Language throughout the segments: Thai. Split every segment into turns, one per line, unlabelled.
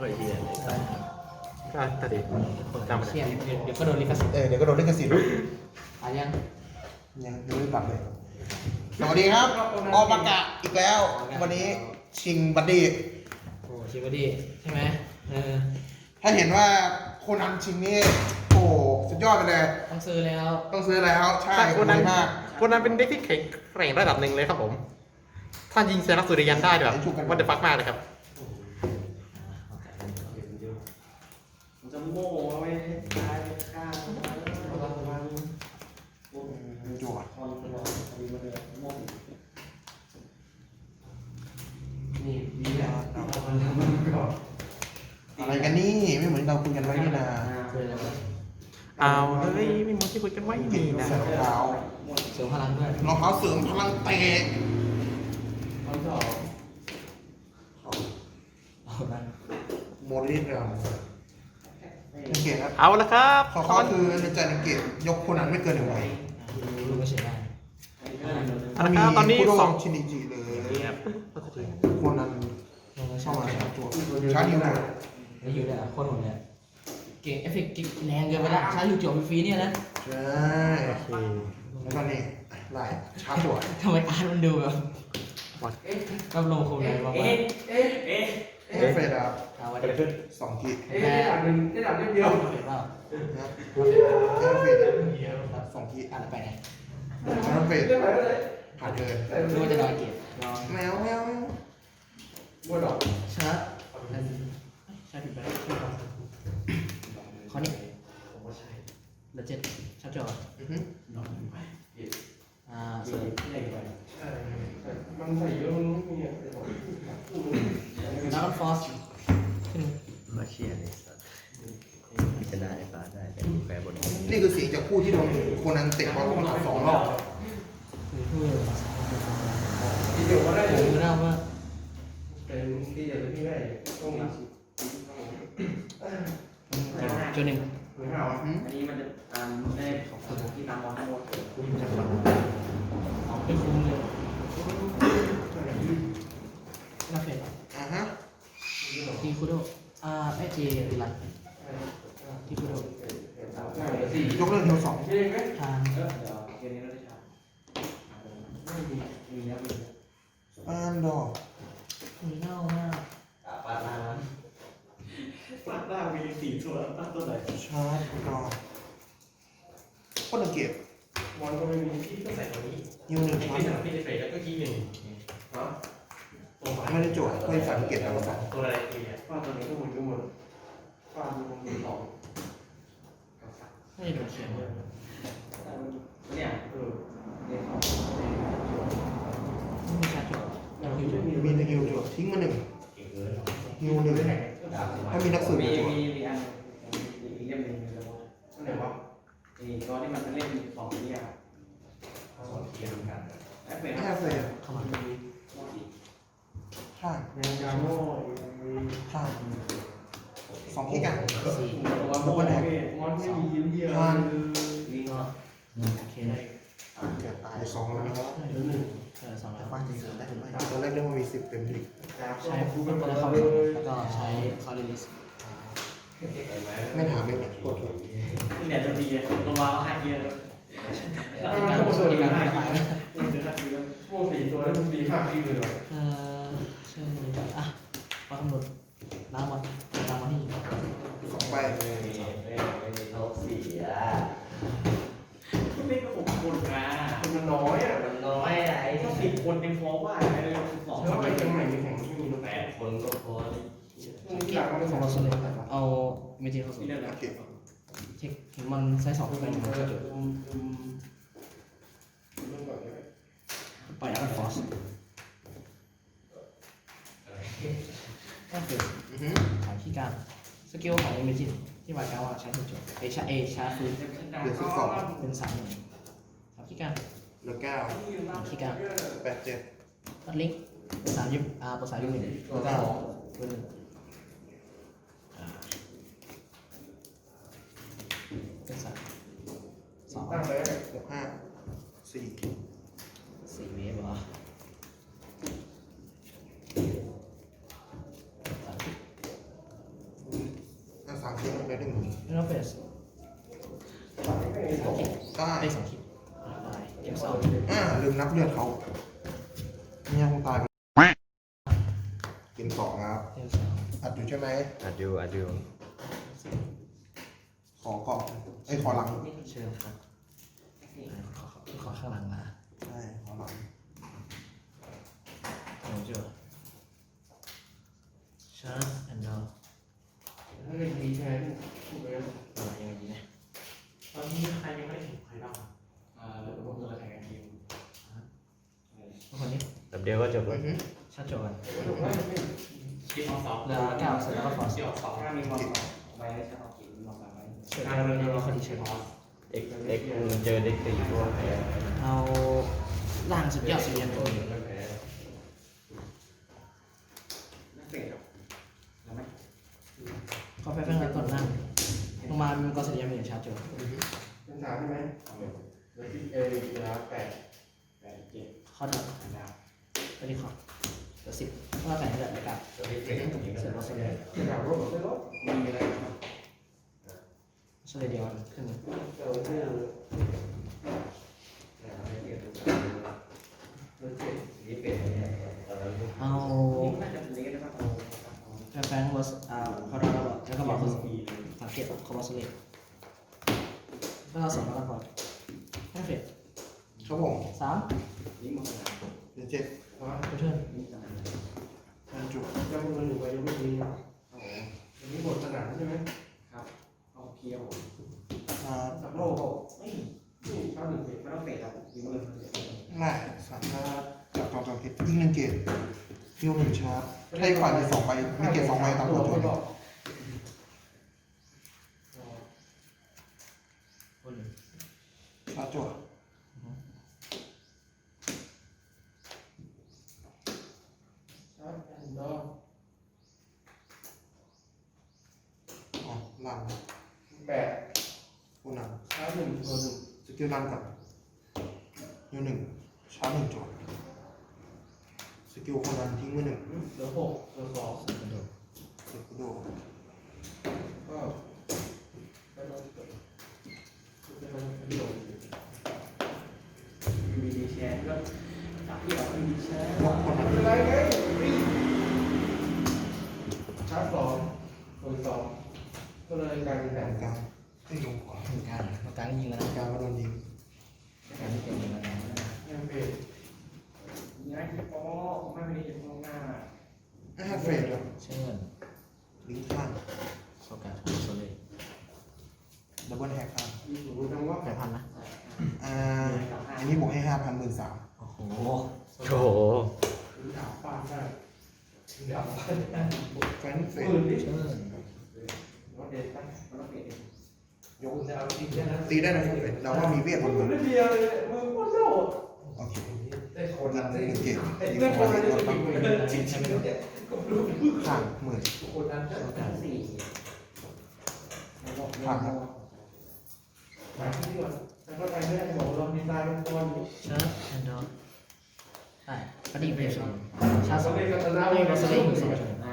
ก็ไอ้เหี้ยก็ตัดเด็กจำไม่
เชี่ย
ได้
เดี๋ยวก็โดนลิขสิทธิ์
เดี๋ยวก็โดนลิขสิทธิ์
อ่ะยัง
ยังไม่ปรับเลย สวัสดีครับออกประกาศอีกแล้ว วันนี้ชิงบัดดี้
โอ้ชิบะดีใช่ไหม
ถ้าเห็นว่าโคนันชิงนี่โอ้สุดยอดไปเลย
ต้องซื้อแล้ว
ต้องซื้อแล้วใช่
คนนั้น
ดีมาก
คนนั้นเป็นเด็กที่แข็งแกร่งระดับหนึ่งเลยครับผมถ้ายิงเซนักสุริยันได้แบบวันเดอร์ฟักมากเลยครับ
มันจะโม่เอาไว้ตายไปฆ่าระวัง
จั่ว
คอนรอดีมาเลยโม่
นี่ดีแล้ว
อะไรกันนี่ไม่เหมือนเราคุยกันไว้นี่นะ
เลยแล้ว
เอาเฮ้ยไม่เหมือนที่คุยกันไว้นี่นะ
ใส่รองเท้า
เสริมพลังด้วย
รองเท้าเสริมพลังเตะ
คอนสอบ
เอาดัน
โมลิสเราสังเกตครับ
เอาละครับ
เขาคือในใจสังเกตยกโคนันไม่เกินหนึ่งใบ
รู้ไม่ใช่ได้
เอาละครับตอนนี้
คุโด
สอง
ชินิจิเลย
นี่ครับ
โคนัน
รู้ไม่
เข้า
ใช่
มา
ได้
ชาร์จจั่วชาร์จนิวหมด
แล้วอยู่ได้โคตรโหดเลยเก่งเอฟเฟกต์แรงเกินไปละใช้อยู่จบฟรีเนี่ยนะ
ใช่
โอเค
แล้วก็นี่ไล่ชาร์จจั่ว
ทำไมอาร์ตมันดูแบบ
วัด
แบบลงคงเลยว่า
เอฟเฟดครับ
เอาไว้เดี๋ยว
สองที
ได้ดับหนึ่งได้ดับเดียว
เห็นเปล่า
นะเอฟเฟดสองที
อ่านไปไหน
เอฟเฟด
ได้ไหมได้
ผ่านเดิน
รู้ว่าจะนอนเก็บนอน
แมวแมว
บัวดอก
ชาร์จใช่ผิดไปข้อนี้เดี๋ยวเจ็ดชาร์จจอ
อือฮึ
เสริม
ใช่มันใส่เยอะมันไม่มีอะไร
ดาวน์ฟอสขึ้น
มาเชียร์เลยสัตว์ชนะไอ้ฟ้าได้แต่แพ้บน
นี่คือเสียงจากผู้ที่โดนโคนันเตะบอลลงมา2 รอบ
คือเพื่อ
ทีเดียวก็ได้
ผมมือหน้ามาก
เป็นที่จะพี่ได้ต้องมี
จนหนึ่ง
ไม่เอา
อือ
อันนี้มันจะได้ของที่ตามมองทั้งหมด
ไม่คุ้มเลยน่าเฟร
อ่าฮะ
ทีคูโดไม่จีหลังทีคูโด
ยกเลิกฮิว2
ใช่ไหม
ทาง
เดี๋ยวเกมนี้เราได้ชาไม่มีนะมี
อันดอร์
มือเน่ามาก
ปาดหน้าปาดหน้ามี4ตัวตั้งตัวไหน
ชาร์จดอร์โคตรเก็บ
มอนก็ไม่มีที่ก็ใส่ตัวนี้
ฮิว1ชาร์จ
พี่จะเฟรแล้วก็ขี้หนึ่ง
ฮะ
ไม่ได้โจทย์ก็สังเกตแล้วก็
ตัวอะไรตีอ่ะ
ฟาดตัวนี้ก็หมุนก็หมุนฟาดมันมี2
ไม่ได้โดนเขียนเลย
เนี่ยเนี่ย
ไม่มีชาร์จจบยังอยู่
มีฮิวจั่วทิ้งมา1ฮิว1ถ้ามีนักสืบ
มี
จั่ว
มีอันอีกเล่มหนึ่งในระบบอันไหนวะนี่ตัวที่มันเป็นเล่ม2ที่อ่ะ2ที่เหมือนกันแอปเปิล
แค่เฟร
เข้ามา
ข้าง
ยังยาโม่
ข้าง2ที่กัน
สี่
ตัวมอนไม่มียิ้มเยี่ยม
นี่ก็โอเคเลย
เกือบตาย2แล้วนะครับ
สองแล้ว
บ้านจริงๆได้หรือไม่ตอนแรกเรียกว่ามี10เต็มที่
ใช้ฟูกันแล้วเข้าแล้วก็ใช้คอร์ลิส
ไม่ถามไม่กดถูก
เนี่ยจะดีตัวมาแล้ว5เยอะ
การโซ่ในการระบาย
โม่4ตัวแล้วมันดีมากที่เลย
ใช่อ่ะมาคำนวณล้างวันล้างวันที่
2ใบ
เขาเสีย
ก็ไม่ก็6คนนะมันน้อยอ่ะ
มันน้อยอะไอ้
ถ้า
ที่
10คนยังพอว่าไอ้2แล้วไปเชียงใหม่มีแข่งที่มีรถ
8 คนก็พอ
ที่หลังมัน
ของเรา
2
โซเลเอาเมจิเข้าสู่
ที่เรื่องนะ
โอเค
เช็คเห็นมันไซส์2เป็นมันจะจบปล่อยอัลฟอสก็คือ
อือฮึ
ฐานที่การสกิลของเมจิที่หมายความว่าใช้ถูกจบชาร์ฟูเป็น3 1ฐานที่การ
เหลือ9
ฐานที่การ
8 7
ตัดลิงก์เป็น3เป็น3 1แล้วก็เป็นเป็น2
ตั้งเลย
6 5 4
เวฟเหรอ
ทิ้งไปหนึ่ง
ไม่ต้องเฟสสามคิด
ได้
ได้สองคิดตายเก็บสอง
ลืมนับเลือดเขาเนี่ยคงตายไปกินสองครับ
เก็บสอง
อัดอยู่ใช่ไหม
อัดอยู่
ขอก่อนขอหลัง
เชิญครับขอข้างหลังมา
ใช่ขอหลัง
ผมเจอชาร์จแอนด์ดอล
ถ้าเป็นดีแทนพูดไปแล้ว
อะไรยังไงดีนะ
ตอนนี้ใครยังไม่ได้ถึงใครบ้าง
แล้วก็คือแข่งกันทีม
คนนี้
แบบเดียวก็จบแล้ว
ชาร์จโจกัน
คิดออกสอง
เหลือเก้าเสร็จแล้วก็ฟอร์ส
คิดออกสอง
ถ้ามีความใบได้ชาติกินมีความใบ
เสร็จแล้วก็คนที่เชิญ
เอ็กเจอเด็กตีพวกแพ้
เอาล่างสุดยอดสุดยันตัว
ไม่แพ้
นักเตะครับแล้วไหม
ก็ไปเพิ่งก่อนล่างลงมามันก็สุดยันเป็นชาร์จโจ
เป็นสามใช่ไหมแล้วที่แล้ว8 7
ข้อดับ
ดาว
ก็ดีขอบเหลือ10ก็แต่งเหลือกับเสร็จแล้วสุดยัน
ที่ดาวรถไม่รถมีอะไรครับ
สุดเดียวขึ้น
นี่เป็นตอนนั้น
เอา
น่าจะเป็นเล็กนะครับ
แฟงวอสพอเราแล้วแล้วก็บอกคือสังเกตคอมบอสเลตแล้วเราสองแล้วก็พอแค่เฟส
ครับผม
สาม
นี่มัน
เดี๋ยวเจ็ด
ตัวเทิร์น
บรรจุ
จะมันอยู่ไปยังไม่ดีโอ้โหอันนี้บทสนามใช่ไหมครับเอาเคียว สับโลกไม่ชอบหนึ่งเตะไม่ต้องเตะครับยิงเลย
ไม่สามารถจับจองจองคิดยิงหนึ่งเกตฮิวหนึ่งชาร์จให้ฝ่ายมี2 ใบมีเกต2 ใบตามตัวตัวนี้ชาร์จจั่วอ๋อลัง
8
ผู้น
ชาร์จ1ตัว
ำสกิลลังกับฮิวหนึ่งชาร์จ1 จั่วสกิลคนนั้นทิ้งมือ 1
1เหลือ6เหลือ2
เสร็จกูดู
ก็ไปลงตัวมีแชร์ก็จับที่แบบมีแชร์
ยกคนนั้น
อะไรไงชาร์จ2คน2ก็เลยกลายเป็นแบ
ตร
บ
งกลางให้ลงขวา
ถึงการตรงกลางยิงแล้ว
ตร
นะ
งกลางก็โดนยิง
การที่เป็นยิงแล้วนะ
ยังเป็นย้ายที่โป๊ะไม่เป็นที่ตรงหน้า
เฟรดอ่ะ
เชิญ
ลิงก์ข้าง
โซกาโซเลต
ดับเบิลแฮกข้าง
มีสูงจังว่า
8,000นะ
อันนี้บวกให้ 5,000 13,000
โอ้โห
โถ
ดาวฟาดได้ดาวฟาดได้
แฟนเฟรด
ปืนดิ
เชิญ
รถเด็ดตั้งรถเด็ด
ยก
จะเอาจริงแค่นั้น
ตีได้นะเฟรดเราว่ามีเวทบนมือ
เดียวเลยมือโคตรโล่
โอเค
ได้คนนั้นได้
หนึ่งเกต
ไอ้
ยิง
เรื่อง
ค
คน
น
นั้น
รถปั๊บ
จริงจริงเนี่ยก็รู้
ข้างหมื่น
คนนั้นได้สี่ผ่านแล้วมาที่ก่อนแล้วก็ไปไม่ได้บอกเราดีไซน์เป็นตัวนี้
ชาร์จแอนด์ดอลได้ปฏิบัติชาร์จ
ชา
ส
ส
อง
เปนกับชนะ
ไม่
ไม่
ก็
ก็
ส
ส
เล
เล
ต
น
อยู่
ส
ส
อ
อง
ง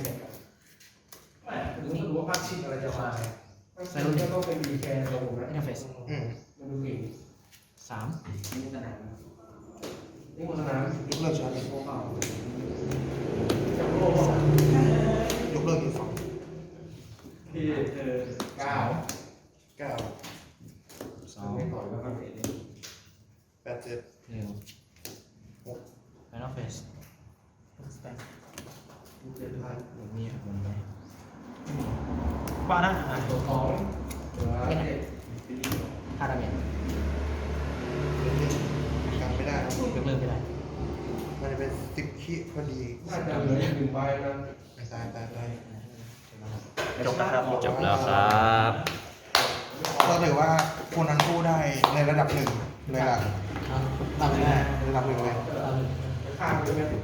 ไม่รู้ว่าภาคชิดอะไรจะมาก็เป็นดีแคร์ระบบนะ
อินเทอร์เฟซ
มันดูเก่ง
สาม
นี่สนามนี่สนาม
ยกเลิกชาร์จ
โลกเปล่าจับโลก
ยกเลิกอีก2
ที่9
9
สอง
ไม่ต่อยแล้วก็เตะเลย
8 7
หนึ่งไฟนอลเฟสสแตน
เจ็ดพัน
หนึ่งมีครับมันไป
บ้านะ
ตัวของตัวเด็ด
ค่าดาเมจ
กันไม่ได้นะ
ยกเลิกไม่ได้
มันจะเป็น10 คิพอดี
น่าจะเหลือ1ใบนะ
ตาย
จบแล้วครับจบแล้วครับ
ก็ถือว่าคนนั้นสู้ได้ในระดับหนึ่งเลยล่ะ
ตามเลยนะ
ระดับหนึ่งเลย
ตามเลย
ข้ามไปไหม